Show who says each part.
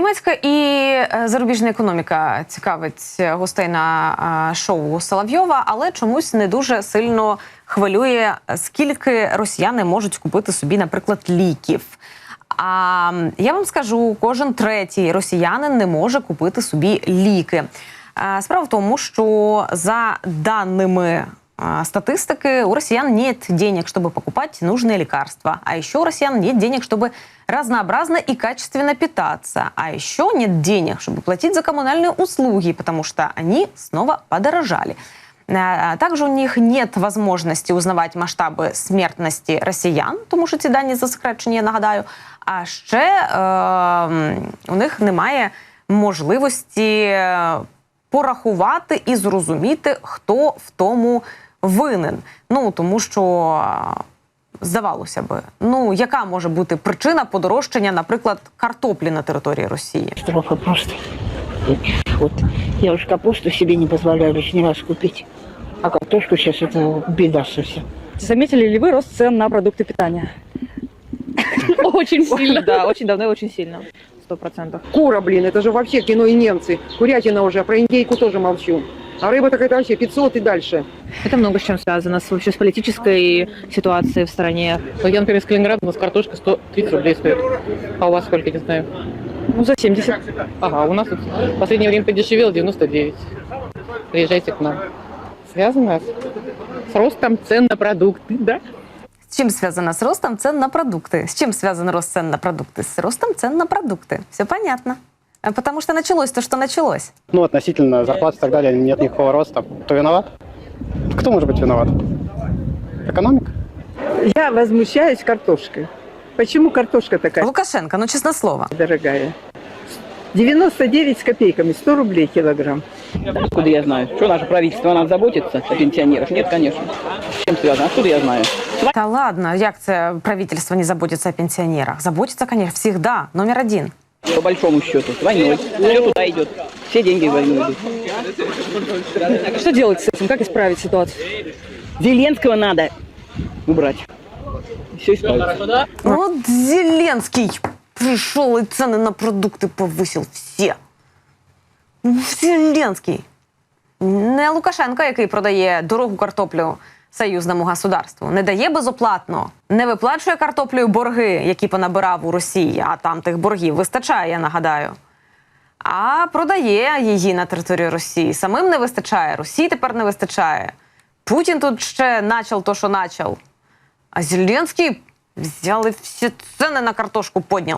Speaker 1: Німецька і зарубіжна економіка цікавить гостей на шоу Соловйова, але чомусь не дуже сильно хвилює, скільки росіяни можуть купити собі, наприклад, ліків. А я вам скажу, кожен третій росіянин не може купити собі ліки. Справа в тому, що за даними статистики, у россиян нет денег, чтобы покупать нужные лекарства. А еще у россиян нет денег, чтобы разнообразно и качественно питаться. А еще нет денег, чтобы платить за коммунальные услуги, потому что они снова подорожали. Также у них нет возможности узнавать масштаби смертності росіян, тому що ці дані засекречені, я нагадаю. А ще у них немає можливості порахувати і зрозуміти, хто в тому винен. Ну, тому що, здавалося би, яка може бути причина подорожчання, наприклад, картоплі на території Росії?
Speaker 2: Катастрофа просто. Вот. Я уж капусту себе не позволяю лишний раз купить. А картошку сейчас это беда совсем.
Speaker 3: Заметили ли вы рост цен на продукты питания?
Speaker 4: Очень сильно.
Speaker 3: Да, очень давно и очень сильно. 100%.
Speaker 4: Кура, блин, это же вообще кино и немцы. Курятина уже, а про индейку тоже молчу. А рыба так это вообще 500 и дальше.
Speaker 3: Это много с чем связано, вообще с политической ситуацией в стране.
Speaker 5: Я, например, из Калининграда, у нас картошка 130 рублей стоит. А у вас сколько, не знаю?
Speaker 3: Ну, за 70.
Speaker 5: Ага, у нас тут в последнее время подешевело 99. Приезжайте к нам. Связано с ростом цен на продукты, да?
Speaker 1: С чем связано с ростом цен на продукты? С чем связан рост цен на продукты? С ростом цен на продукты. Все понятно. Потому что началось то, что началось.
Speaker 6: Относительно зарплат и так далее нет никакого роста. Кто виноват? Кто может быть виноват? Экономика?
Speaker 4: Я возмущаюсь картошкой. Почему картошка такая
Speaker 1: Лукашенко, честное слово.
Speaker 4: дорогая? 99 с копейками, 100 рублей килограмм.
Speaker 7: Откуда я знаю? Что наше правительство о нас заботится, о пенсионерах? Нет, конечно. С чем связано? Откуда я знаю?
Speaker 1: Та ладно, як це правительство не заботится о пенсионерах? Заботится, конечно, всегда. Номер один.
Speaker 7: По большому счету. С войной. Все туда идет. Все деньги в войну идут.
Speaker 3: Что делать с этим? Как исправить ситуацию?
Speaker 7: Зеленского надо убрать. Все исправится.
Speaker 1: Вот Зеленский пришел и цены на продукты повысил все. Зеленский. Не Лукашенко, який продає дорогу картоплю союзному государству, не дає безоплатно, не виплачує картоплею борги, які понабирав у Росії, а там тих боргів вистачає, я нагадаю. А продає її на території Росії. Самим не вистачає, Росії тепер не вистачає. Путін тут ще начал то, що начал. А Зеленський взял і всі ціни на картошку підняв.